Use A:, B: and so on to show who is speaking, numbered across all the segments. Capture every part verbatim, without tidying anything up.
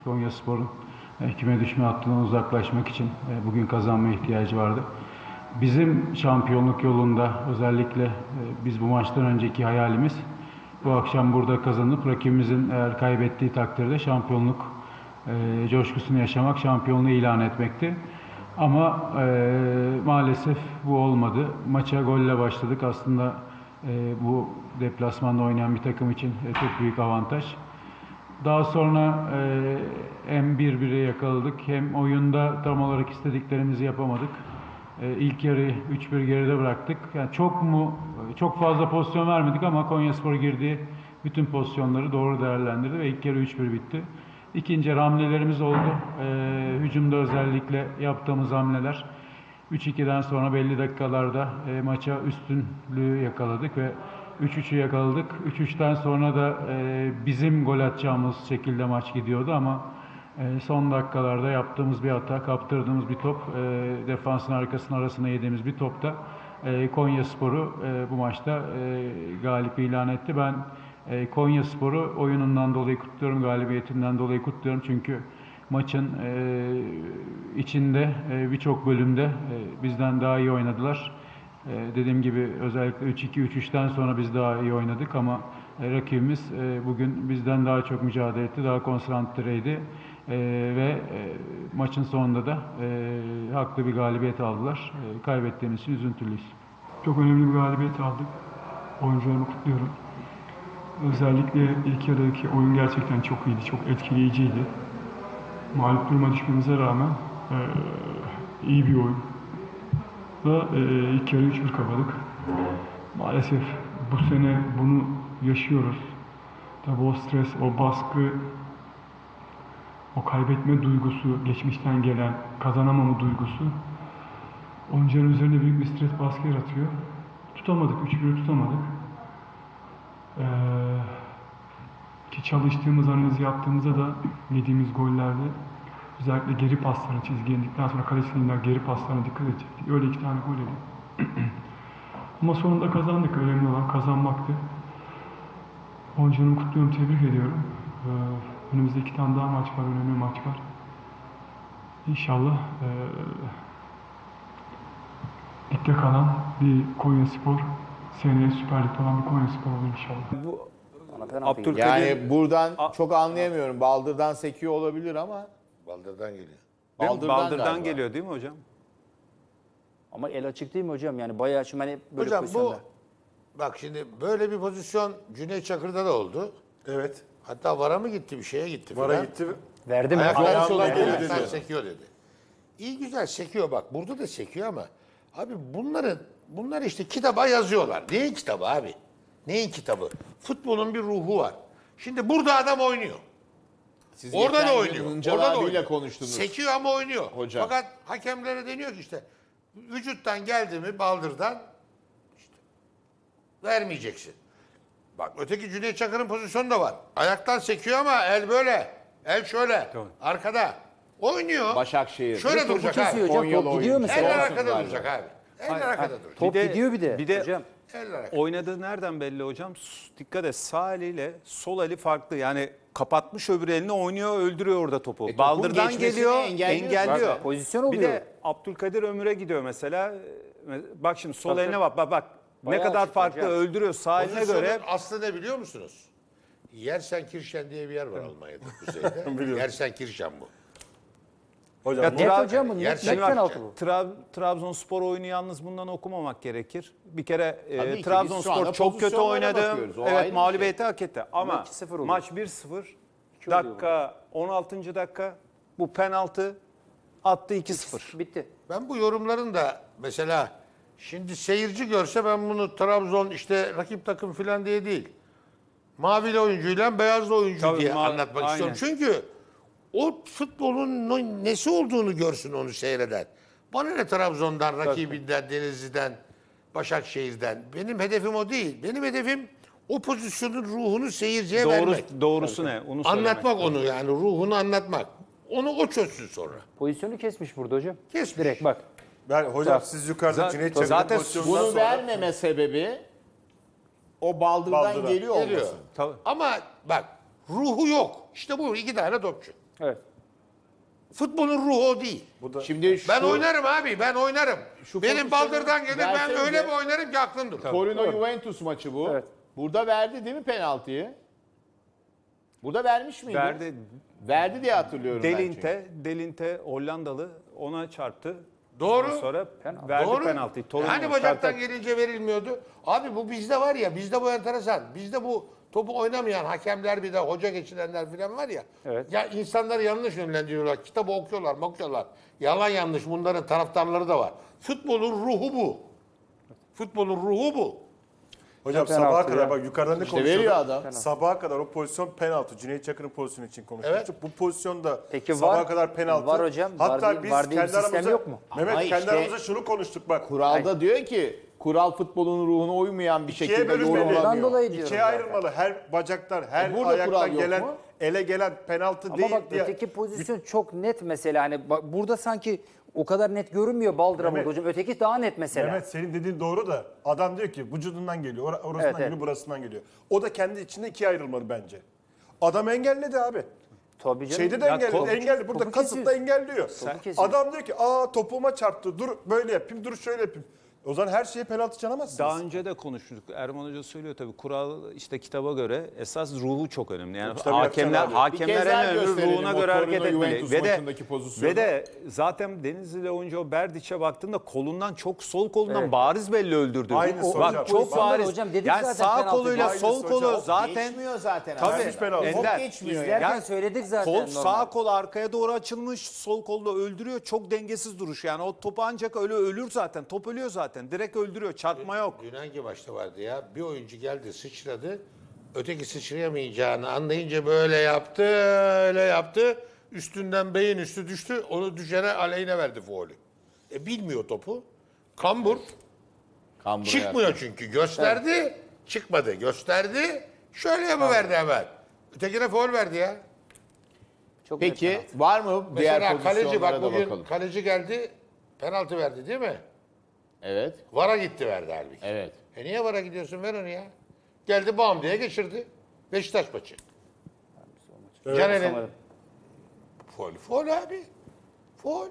A: Konyaspor'un küme düşme hattından uzaklaşmak için bugün kazanma ihtiyacı vardı. Bizim şampiyonluk yolunda özellikle biz bu maçtan önceki hayalimiz bu akşam burada kazanıp rakibimizin eğer kaybettiği takdirde şampiyonluk e, coşkusunu yaşamak, şampiyonluğu ilan etmekti. Ama e, maalesef bu olmadı. Maça golle başladık. Aslında e, bu deplasmanda oynayan bir takım için e, çok büyük avantaj. Daha sonra e, hem bir bire yakaladık hem oyunda tam olarak istediklerimizi yapamadık. E, ilk yarıyı üç bir geride bıraktık. Yani çok mu çok fazla pozisyon vermedik ama Konyaspor girdiği bütün pozisyonları doğru değerlendirdi ve ilk yarı üç bir bitti. İkinci yarı hamlelerimiz oldu. E, hücumda özellikle yaptığımız hamleler üç ikiden sonra belli dakikalarda e, maça üstünlüğü yakaladık ve üç üçü yakaladık. üç üçten sonra da e, bizim gol atacağımız şekilde maç gidiyordu ama e, son dakikalarda yaptığımız bir hata, kaptırdığımız bir top, e, defansın arkasının arasına yediğimiz bir topta e, Konyaspor'u e, bu maçta e, galip ilan etti. Ben e, Konyaspor'u oyunundan dolayı kutluyorum, galibiyetinden dolayı kutluyorum çünkü maçın e, içinde e, birçok bölümde e, bizden daha iyi oynadılar. Ee, dediğim gibi özellikle üç iki üç üçten sonra biz daha iyi oynadık ama e, rakibimiz e, bugün bizden daha çok mücadele etti, daha konsantreydi e, ve e, maçın sonunda da e, haklı bir galibiyet aldılar. E, kaybettiğimiz için üzüntülüyüz.
B: Çok önemli bir galibiyet aldık. Oyuncularımı kutluyorum. Özellikle ilk yarıdaki oyun gerçekten çok iyiydi, çok etkileyiciydi. Mağlup duruma düşmemize rağmen e, iyi bir oyun. Da e, ilk yarı üç bir kapadık. Maalesef bu sene bunu yaşıyoruz. Tabii o stres, o baskı, o kaybetme duygusu, geçmişten gelen kazanamama duygusu oyuncuların üzerine büyük bir stres baskı yaratıyor. Tutamadık, üç bir tutamadık. Ee, ki çalıştığımız, analizi yaptığımızda da yediğimiz gollerde özellikle geri paslarına, çizgiye indikten sonra kalecinden geri paslarına dikkat edecektik. Öyle iki tane gol yedik. Ama sonunda kazandık. Önemli olan kazanmaktı. Oyuncularımı kutluyorum, tebrik ediyorum. Ee, önümüzde iki tane daha maç var, önemli maç var. İnşallah ee, ligde kalan bir Konyaspor, seneye Süper Lig'de olan bir Konyaspor olur inşallah.
C: Bu
D: Abdülkadir...
C: Yani buradan çok anlayamıyorum. Baldırdan sekiyor olabilir ama
D: Baldır'dan geliyor.
C: Baldırdan,
E: Baldır'dan
C: galiba.
E: geliyor değil mi hocam?
F: Ama el açık değil mi hocam? Yani bayağı şimdi hani böyle
D: Hocam bu,
F: pozisyonda.
D: bak şimdi böyle bir pozisyon Cüneyt Çakır'da da oldu.
G: Evet.
D: Hatta VAR'a mı gitti, bir şeye gitti
G: Vara
D: falan.
G: gitti.
F: Verdi mi?
D: Ayaklar,
G: Ayağından
D: sola
G: geliyor
D: ayaklar
G: dedi.
D: sekiyor dedi. İyi güzel sekiyor bak. Burada da sekiyor ama abi bunların bunlar işte kitaba yazıyorlar. Neyin kitabı abi? Neyin kitabı? Futbolun bir ruhu var. Şimdi burada adam oynuyor.
C: Siz
D: Orada
C: geçen
D: da
C: gün
D: oynuyor.
C: Hıncal
D: Orada da
C: abiyle
D: oynuyor.
C: konuştunuz.
D: Sekiyor ama oynuyor.
C: Hocam.
D: Fakat hakemlere deniyor ki işte vücuttan geldi mi baldırdan işte vermeyeceksin. Bak öteki Cüneyt Çakır'ın pozisyonu da var. Ayaktan sekiyor ama el böyle. El şöyle.
E: Tamam.
D: Arkada. Oynuyor.
C: Başakşehir.
D: Şöyle
F: Topu
D: duracak
F: kesiyor
D: abi.
F: hocam.
C: Konyalı
F: Top gidiyor
C: oyuncu.
F: mesela.
D: Eller
C: Olsun
D: arkada
C: galiba.
D: duracak abi. Eller arkada duracak.
F: Top
E: Bir de-
F: gidiyor bir de.
E: bir de-
F: hocam.
D: Eller arkada.
E: Oynadığı nereden belli hocam? S- Dikkat et, sağ eliyle sol eli farklı. Yani kapatmış öbür elini, oynuyor, öldürüyor orada topu.
C: topun
E: Baldırdan
C: geçmesini
E: geliyor,
C: engelliyor
E: engelliyor.
C: zaten.
F: Pozisyon
E: Bir
F: oluyor.
E: de Abdülkadir Ömür'e gidiyor mesela. Bak şimdi sol
F: Tabii,
E: eline
F: tabii.
E: bak bak bak. Ne
F: Bayağı
E: kadar
F: açık
E: farklı
F: hocam.
E: öldürüyor sağ eline
D: Pozisyonun
E: göre.
D: aslı ne biliyor musunuz? Yersenkirchen diye bir yer var Almanya'da kuzeyde. Yersenkirchen bu.
G: Hocam
E: Ya
G: bu-
F: Net
E: Tra-
F: hocam bu. Net,
D: Yer
F: net
D: çekmek
F: penaltı
D: için.
F: bu.
E: Tra- Trabzonspor oyunu yalnız bundan okumamak gerekir. Bir kere e,
C: Tabii ki, biz şu
E: Trabzonspor
C: anda
E: çok kötü
C: pozisyonlara
E: oynadı.
C: bakıyoruz. O ayrı
E: Evet
C: bir
E: mağlubiyeti hak etti. Ama
F: iki sıfır oluyor.
E: maç bir sıfır.
F: oluyor
E: Dakika on altıncı dakika. Bu penaltı attı iki sıfır.
F: Bitti.
D: Ben bu yorumların da mesela şimdi seyirci görse ben bunu Trabzon işte rakip takım falan diye değil. Mavili oyuncuyla beyazlı oyuncu
E: Tabii,
D: diye
E: ma-
D: anlatmak
E: aynen.
D: istiyorum. Çünkü o futbolun no- nesi olduğunu görsün onu seyreden. Bana ne Trabzon'dan, rakibinden, Denizli'den, Başakşehir'den. Benim hedefim o değil. Benim hedefim o pozisyonun ruhunu seyirciye
E: Doğru,
D: vermek.
E: doğrusu ne? Onu söylemek.
D: Anlatmak onu yani ruhunu anlatmak. Onu o çözsün sonra.
F: Pozisyonu kesmiş burada hocam.
D: Kesmiş.
F: Direkt bak.
G: ben hocam
F: Zaten-
G: siz yukarıda
E: zaten-
G: Cüneyt Çakır'ın
E: zaten
G: pozisyonundan
C: Bunu
G: sonra
C: vermeme sebebi o baldırdan
G: Baldırdan.
C: geliyor
D: Geliyor.
C: olması.
E: Tabii.
D: Ama bak ruhu yok. İşte bu iki tane topçu.
F: Evet.
D: Futbolun ruhu o değil.
C: Şimdi şu
D: Ben oynarım abi, ben oynarım.
C: Şu
D: Benim
C: pozisyonu
D: baldırdan gelir, ben
C: versenize.
D: öyle bir oynarım ki aklın durur.
C: Torino Juventus maçı bu.
F: Evet.
C: Burada verdi değil mi penaltıyı? Burada vermiş miydi?
E: Verdi.
C: Verdi diye hatırlıyorum ben çünkü.
E: Delinte, Delinte Hollandalı ona çarptı.
D: Doğru.
E: Ondan sonra
F: Penaltı.
E: verdi
D: Doğru.
E: penaltıyı. Torino
D: Hani bacaktan
E: çarptı.
D: gelince verilmiyordu. Abi bu bizde var ya, bizde bu enteresan. Bizde bu topu oynamayan hakemler, bir de hoca geçirenler falan var ya.
F: Evet.
D: Ya insanları yanlış yönlendiriyorlar. Kitabı okuyorlar, okuyorlar. Yalan yanlış, bunların taraftarları da var. Futbolun ruhu bu. Futbolun ruhu bu.
G: Hocam
F: Penaltı
G: sabaha
F: ya.
G: kadar bak yukarıdan ne
C: İşte
G: konuşuyorduk?
C: veriyor adam.
G: Sabaha kadar o pozisyon penaltı. Cüneyt Çakır'ın pozisyonu için konuşmuştuk. Bu pozisyonda
F: Peki
G: sabaha
F: var-
G: kadar penaltı.
F: var hocam.
G: Hatta
F: Var diye-
G: biz
F: var diye bir
G: kendi
F: sistem
G: aramızda
F: yok mu?
G: Mehmet
C: Ama
G: kendi
C: işte-
G: aramızda şunu konuştuk bak.
C: Kuralda diyor ki kural futbolun ruhuna uymayan bir
G: İkiye
C: şekilde
G: bölünmeli.
F: Ondan
C: yorumlanıyor.
F: dolayı diyorum
G: İkiye
F: zaten.
G: ayrılmalı. Her bacaktan, her
C: E burada kural
G: ayaktan
C: yok
G: gelen,
C: mu?
G: ele gelen penaltı
F: Ama
G: değil
F: bak
G: diye.
F: öteki pozisyon çok net mesela. Hani bak burada sanki o kadar net görünmüyor Baldıra
G: Mehmet-
F: burada hocam. Öteki daha net mesela.
G: Mehmet senin dediğin doğru da adam diyor ki vücudundan geliyor, or- orasından
F: Evet,
G: geliyor,
F: evet.
G: burasından geliyor. O da kendi içinde ikiye ayrılmalı bence. Adam engelledi abi.
F: Tabii canım.
G: Şeyde de
E: Ya
G: engelledi,
E: topu-
G: engelledi. Burada
F: topu
G: kasıtla
F: kesiyor.
G: engelliyor.
F: kesiyor.
G: Adam diyor ki aa topuğuma çarptı, dur böyle yapayım, dur şöyle yapayım. O zaman her şeye penaltı çalamazsınız.
E: Daha önce de konuşmuştuk. Erman Hoca söylüyor tabii kural işte kitaba göre esas ruhu çok önemli. Yani
G: kitabı
E: hakemler
G: yapacaksın abi.
C: Bir
E: hakemler
C: kez daha
E: en önemli
C: gösterelim
E: ruhuna
C: o
E: göre hareket
C: Torino
E: etmeli.
C: Juventus
E: Ve de
C: maçındaki pozisyonu.
E: ve de zaten Denizli'de oyuncu o Berdiç'e baktığında kolundan çok sol kolundan
F: Evet.
E: bariz belli öldürdü.
G: Aynısı
E: Bak
G: hocam.
E: çok
F: Pozisyonda
E: bariz.
F: hocam dedik
E: yani
F: zaten
E: sağ
F: penaltı
E: koluyla
G: değil.
E: sol
G: Aynısı
E: kolu
G: hocam.
E: zaten
C: Geçmiyor zaten.
E: Tabii.
C: abi.
G: Vermiş penaltı.
C: Top
E: Ender.
C: geçmiyor
F: İzlerken
C: yani.
F: söyledik zaten.
E: Kol
F: normal.
E: sağ kol arkaya doğru açılmış, sol kolla öldürüyor. Çok dengesiz duruş. Yani o topu ancak öyle ölür zaten. Top ölüyor zaten. Direkt öldürüyor. Çarpma yok.
D: Dün hangi maçta vardı ya? Bir oyuncu geldi, sıçradı. Öteki sıçrayamayacağını anlayınca böyle yaptı, öyle yaptı. Üstünden beyin üstü düştü. Onu düşene aleyhine verdi faulü. E bilmiyor topu. Kambur.
C: Kambura
D: Çıkmıyor çünkü. Gösterdi, çıkmadı. Gösterdi, şöyle yapıverdi hemen. Ötekine faul verdi ya.
F: Çok net
C: Peki
F: penaltı.
C: var mı diğer
D: Mesela kaleci
C: pozisyonlara
D: bak
C: da
D: bugün
C: bakalım.
D: kaleci geldi, penaltı verdi değil mi?
C: Evet.
D: Vara gitti verdi halbuki.
C: Evet.
D: E niye vara gidiyorsun, ver onu ya. Geldi bam diye geçirdi. Beşiktaş maçı. Caner'in
F: Sanırım.
D: Foul, foul abi. Foul.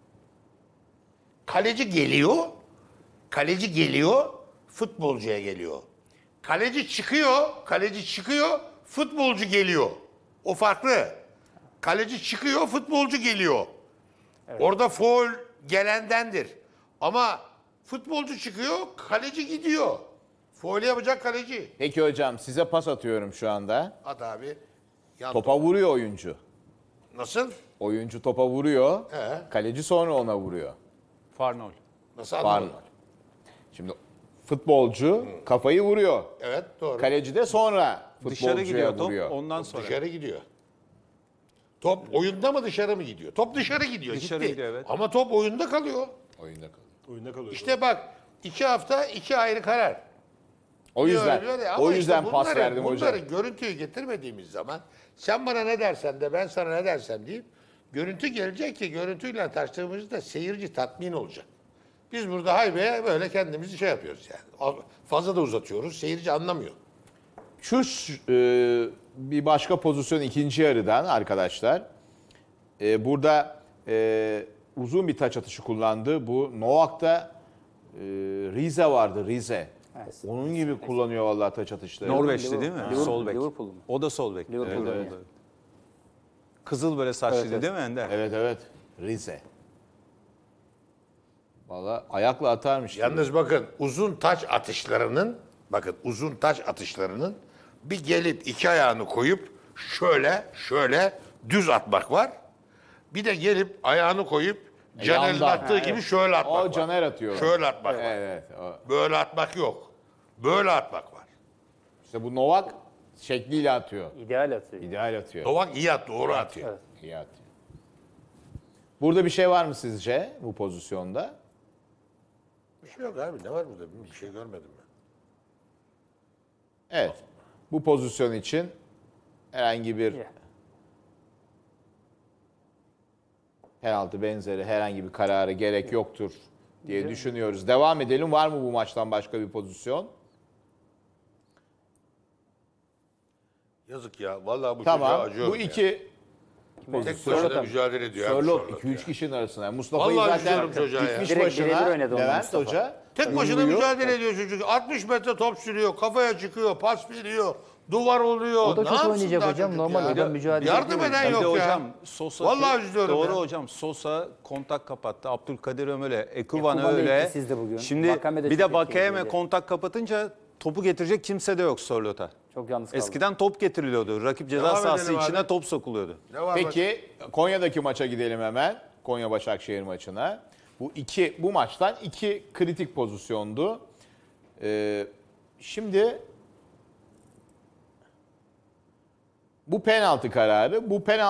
D: Kaleci geliyor. Kaleci geliyor. Futbolcuya geliyor. Kaleci çıkıyor. Kaleci çıkıyor. Futbolcu geliyor. O farklı. Kaleci çıkıyor. Futbolcu geliyor. Orada foul gelendendir. Ama futbolcu çıkıyor. Kaleci gidiyor. Foul yapacak kaleci.
C: Peki hocam size pas atıyorum şu anda.
D: At abi. Yan
C: Topa vuruyor oyuncu.
D: Nasıl?
C: Oyuncu topa vuruyor.
D: He.
C: Kaleci sonra ona vuruyor.
E: Farnol.
D: Nasıl
C: Var
D: anladın?
C: mı? Şimdi futbolcu kafayı vuruyor.
D: Evet doğru.
C: Kaleci de sonra
E: Dışarı
C: futbolcuya
E: gidiyor top.
C: vuruyor.
E: Ondan sonra.
D: Dışarı gidiyor. Top oyunda mı dışarı mı gidiyor? Top dışarı gidiyor.
E: Dışarı
D: gitti.
E: gidiyor, evet.
D: Ama top oyunda kalıyor.
C: Oyunda kalıyor.
G: Oyunda kalıyor.
D: İşte bak iki hafta iki ayrı karar.
C: O
D: Bir
C: yüzden
D: öyle, bir öyle. Ama
C: o
D: işte
C: yüzden pas
D: bunları-
C: verdim hocam.
D: Bunları görüntüyü getirmediğimiz zaman sen bana ne dersen de ben sana ne dersem deyip görüntü gelecek ki görüntüyle tartıştığımızda seyirci tatmin olacak. Biz burada haybeye böyle kendimizi şey yapıyoruz yani. Fazla da uzatıyoruz. Seyirci anlamıyor.
C: Şu ş- e, bir başka pozisyon ikinci yarıdan arkadaşlar. E, burada e, uzun bir taç atışı kullandı. Bu Novak'ta e, Rize vardı Rize.
F: Evet.
C: Onun gibi kullanıyor vallahi taç atışları.
E: Norveçli değil mi?
F: Liverpool-
E: Sol bek.
F: Liverpool mu?
E: O da sol bek.
F: Liverpool
E: Evet,
F: oynuyor.
E: evet. Kızıl böyle saçlıydı
F: Evet, evet.
E: değil mi Ender?
C: Evet evet Rize. Vallahi ayakla atarmış. gibi.
D: Yalnız bakın uzun taç atışlarının bakın uzun taç atışlarının bir gelip iki ayağını koyup şöyle şöyle düz atmak var. Bir de gelip ayağını koyup Caner'in
C: yandan.
D: attığı
C: Ha,
D: gibi
C: evet.
D: şöyle atmak
C: O
D: var.
C: Caner atıyor.
D: Şöyle atmak var.
C: Evet. o-
D: Böyle atmak yok. Böyle atmak var.
C: İşte bu Novak şekliyle atıyor.
F: İdeal atıyor.
C: İdeal atıyor.
D: Novak iyi at, doğru atıyor.
F: Evet.
C: İyi atıyor. Burada bir şey var mı sizce bu pozisyonda?
D: Bir şey yok abi, ne var burada? Bir şey görmedim ben.
C: Evet. Bu pozisyon için herhangi bir
F: Yeah.
C: penaltı benzeri herhangi bir karara gerek yoktur diye düşünüyoruz. Devam edelim. Var mı bu maçtan başka bir pozisyon?
D: Yazık ya. Vallahi bu çocuğa
C: Tamam.
D: acıyorum
C: Bu
D: ya.
C: iki
D: Tek başına mücadele ediyor. abi
C: Sörloth
D: Sörloth
C: iki üç
D: ya.
C: kişinin arasında. Mustafa'yı
D: Vallahi
C: zaten
D: üzülüyorum çocuğa ya.
C: dikmiş
F: Direkt
C: başına
F: birebir oynadı onunla
C: Levent
F: Mustafa.
C: Hoca.
D: Tek başına
C: Uyuyor.
D: mücadele ediyor çocuk. altmış metre top sürüyor, kafaya çıkıyor, pas veriyor, duvar oluyor.
F: O da
D: Ne
F: çok
D: yapsın
F: oynayacak
D: daha
F: hocam.
D: çocuk
F: Normal
D: ya?
F: o da mücadele
D: Yardım
F: ediyor.
D: eden
E: Bir de
D: yok ya.
E: hocam Sosa
D: Vallahi üzülüyorum
E: doğru
D: ya.
E: hocam. Sosa kontak kapattı. Abdülkadir Ömür'e, Ekuban
F: Ekuban da
E: öyle.
F: etkisizdi bugün.
E: Şimdi
F: Vakame de
E: bir
F: çok
E: de Vakame
F: etkiliydi.
E: kontak kapatınca topu getirecek kimse de yok Sörloth'a.
F: Çok yalnız kaldı.
E: Eskiden top getiriliyordu. Rakip ceza
D: Devam
E: sahası
D: edelim
E: içine
D: abi.
E: top sokuluyordu.
D: Ne var bak-
C: Peki Konya'daki maça gidelim hemen. Konya Başakşehir maçına. Bu iki bu maçtan iki kritik pozisyondu. Ee, şimdi bu penaltı kararı, bu penaltı